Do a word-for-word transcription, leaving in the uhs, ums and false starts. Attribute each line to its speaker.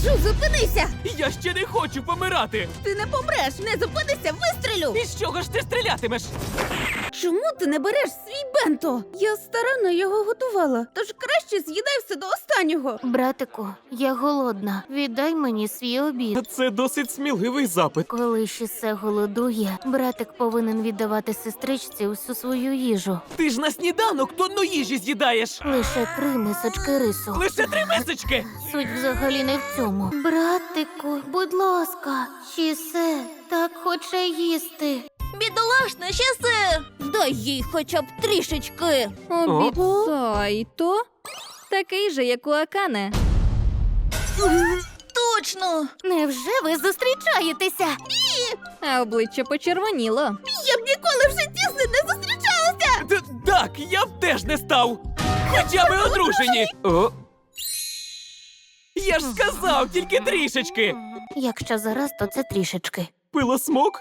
Speaker 1: Кажу, зупинися!
Speaker 2: Я ще не хочу помирати!
Speaker 1: Ти не помреш! Не зупинися, вистрілю!
Speaker 2: І з чого ж ти стрілятимеш?
Speaker 1: Чому ти не береш свій бенто? Я старанно його готувала, тож краще з'їдай все до останнього.
Speaker 3: Братику, я голодна. Віддай мені свій обід.
Speaker 2: Це досить сміливий запит.
Speaker 3: Коли Шісе голодує, братик повинен віддавати сестричці усю свою їжу.
Speaker 2: Ти ж на сніданок тонну їжі з'їдаєш!
Speaker 3: Лише три мисочки рису.
Speaker 2: Лише три мисочки!
Speaker 3: Суть взагалі не в цьому. Братику, будь ласка, Шісе так хоче їсти.
Speaker 1: Бідолашне Шісе! Дай їй хоча б трішечки.
Speaker 4: Обіцяй то. Такий же, як у Акане.
Speaker 1: Точно!
Speaker 3: Невже ви зустрічаєтеся?
Speaker 4: А обличчя почервоніло.
Speaker 1: Я б ніколи в житті з ним не зустрічалася!
Speaker 2: Т- Так, я б теж не став! Хоча ми одружені! О. Я ж сказав, тільки трішечки!
Speaker 3: Якщо зараз, то це трішечки.
Speaker 2: Пилосмок?